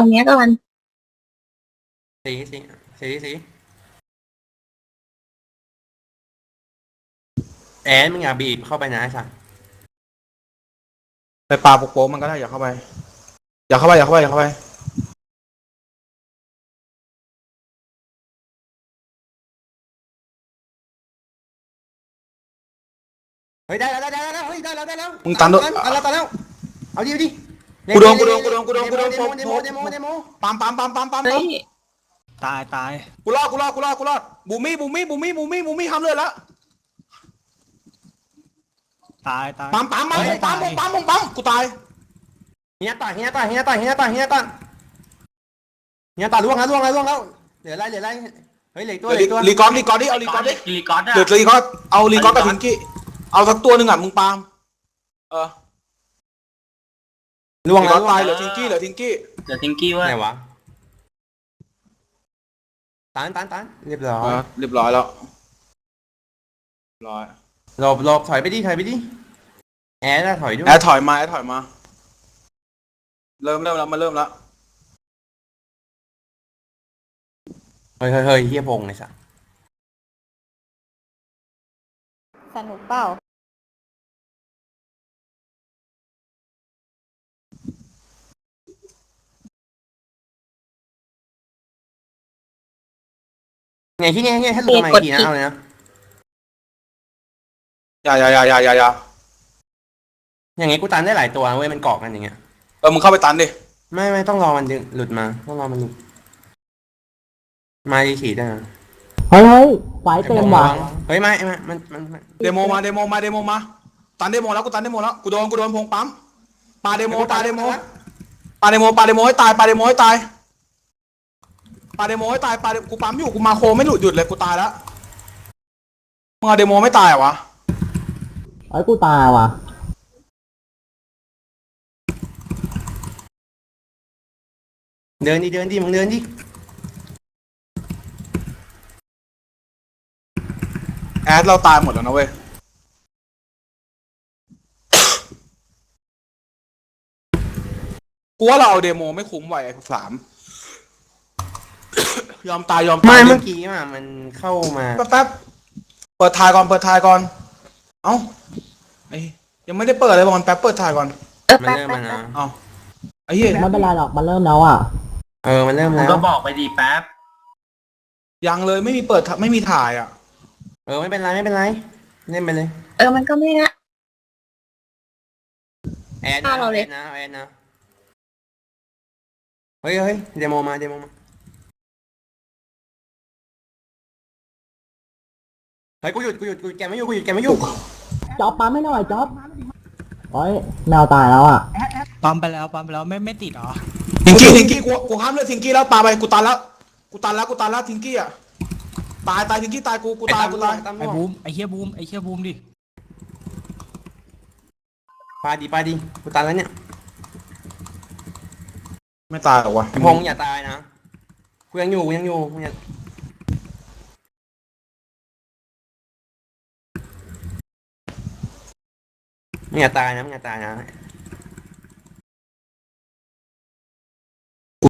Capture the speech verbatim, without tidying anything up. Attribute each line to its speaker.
Speaker 1: เนี้ยก่อน
Speaker 2: สีสีสีสีแอนมึงอย่าบีบเข้าไปนะไอ้สัส
Speaker 3: ไปปลาโป๊กๆมันก็ได้อย่าเข้าไปอย่าเข้าไปอย่าเข้าไปอย่าเข้าไป
Speaker 2: เฮ้ยได้แล้วได้แล้วได้แล้วเฮ้ยได้แล้วได้แล้ว
Speaker 3: มึงตันด้วย
Speaker 2: ตันแล้วตันแล้วเอาดิเอาดิ
Speaker 3: กูโดนกูโดนกูโดนกูโดนกูโดน
Speaker 2: เดโมเดโมเดโมเดโม
Speaker 3: ปั๊มปั๊มปั๊มปั๊มปั๊ม
Speaker 1: เฮ้ย
Speaker 4: ตายตาย
Speaker 3: กูรอดกูรอดกูรอดกูรอดบูมี่บูมี่บูมี่บูมี่บูมี่ทำเลยแล้ว
Speaker 4: ตายตาย
Speaker 3: ปั๊มปั๊มปั๊มปั๊มปั๊มปั๊มปั๊มกูตาย
Speaker 2: เฮียตาเฮียตาเฮียตาเฮียตาเฮียตาเฮียตาล่วงแล้วล่วงแล้วล่วงแล้วเหลืออะไรเหลืออะไรเฮ้ยเหลือตัวเหลือตัว
Speaker 3: รีกอนรีกอนดิเอารีกอนดิ
Speaker 5: รีกอนอะ
Speaker 3: เหลือรีกอนเอารีกอนกับทิงกี้เอาสักตัวหนึ่งอ่ะมึงปาล์มเออ
Speaker 2: ล่วง
Speaker 3: รีก
Speaker 2: แล้
Speaker 3: อ
Speaker 2: วน
Speaker 3: ตายเหลือทิงกี้เหลือทิงกี้
Speaker 5: เดี๋ยวทิงกี้เว่า
Speaker 2: ไหนวะตันตันตันเรียบร้อ
Speaker 3: เอย อเรียบร้อยแล้วเรียบร้อย
Speaker 2: หลบหลบถอยไปดิถอยไปดิแอร์น่ะถอยด้วย
Speaker 3: แอร์ถอยมาแอร์ถอยมาเริ่มเริ่มแล้วมาเริ่มแล้ว
Speaker 2: เฮ้ยเฮ้ยเฮ้ยเฮียพงไอ้สัส
Speaker 1: สนุกเปล่า
Speaker 2: ไงที่ไงไงถ้าหลุดมาอีกทีนะเอาเลยนะ
Speaker 3: อย่าอย่าอย่าอย่าอย่าอย่า
Speaker 2: อย่างงี้กูตันได้หลายตัวเว้ยมันเกาะกันอย่างเงี้ย
Speaker 3: เออมึงเข้าไปตันดิ
Speaker 2: ไม่ไม่ต้องรอมันดึงหลุดมาต้องรอมันหลุดมาดีฉีดได้นะ
Speaker 6: เฮ้ยเฮ้ยไฟเต็มว่ะ
Speaker 2: เฮ้ยไม่ไม่มันมันมัน
Speaker 3: เดโมมาเดโมมาเดโมมาตันเดโมแล้วกูตันเดโมแล้วกูโดนกูโดนพงปั๊มปาเดโมปาเดโมปาเดโมปาเดโมให้ตายปาเดโมให้ตายปาเดโมให้ตายปากูปั๊มอยู่กูมาโคไม่หลุดหยุดเลยกูตายแล้วมึงเอาเดโมไม่ตายเหรอวะ
Speaker 6: ไอ้ยกูตายว่ะ
Speaker 2: เดินดิเดินดิมึงเดินดิ
Speaker 3: แอดเราตายหมดแล้วนะเว้ยกูว่าเราเอาเดโมไม่คุ้มไหวไอ้สามยอมตายยอมตาย
Speaker 2: ไม่เมื่อกี้อ่ะมันเข้ามา
Speaker 3: แป๊บแป๊บเปิดทายก่อนเปิดทายก่อนเอ้าไอ้ยังไม่ได้เปิดเลยบอลแป๊บเปิดทายก่อน
Speaker 1: เออ
Speaker 2: มัน
Speaker 1: แป๊บ
Speaker 2: เริ่ม
Speaker 1: แป๊
Speaker 2: มา
Speaker 1: บ
Speaker 2: นะ
Speaker 3: เอ้าไอ้เหี้ย
Speaker 6: ไม่เป็นไรหรอกมันเริ่มแล้วอ่ะ
Speaker 2: เออมันเริ่ม
Speaker 5: มึง
Speaker 2: แล้ว
Speaker 5: ก็บอกไปดีแป๊บ
Speaker 3: ยังเลยไม่มีเปิดไม่มีถ่ายอ่ะ
Speaker 2: เออไม่เป็นไรไม่เป็นไรเล่นไปเลย
Speaker 1: เออมันก็ไม่นะ
Speaker 2: แอน
Speaker 1: ฆ่า
Speaker 2: นะ
Speaker 1: เราเลย
Speaker 2: แอนนะแอนนะเฮ้ยเฮ้ยเดโมมาเดโมมาเฮ้ยกูหยุดกูหยุดกูหยุดแกไม่อยู่กูหยุดแกไม่อยู่
Speaker 6: จ๊อบปั๊มไม่หน่อยจ๊อบเฮ้ยแมวตายแล้วอ่ะ
Speaker 4: ปั๊มไปแล้วปั๊มไปแล้วไม่ไม่ติดเหรอ
Speaker 3: ทิงกี้ทิงกี้กูกูห้ามเลือดทิงกี้แล้วปาไปกูตันแล้วกูตันแล้วกูตันแล้วทิงกี้อ่ะตายตายทิงกี้ตายกูกูตายกูตาย
Speaker 2: ตาม
Speaker 4: ไอ้บูมไอ้เฮียบูมไอ้เฮียบูมดิ
Speaker 2: ปาดีปาดีกูตันแล้วเนี่ย
Speaker 3: ไม่ตายหรอวะ
Speaker 2: พงษ์อย่าตายนะกูยังอยู่กูยังอยู่กูยังมึงอย่าตายนะมึงอย่าตายนะ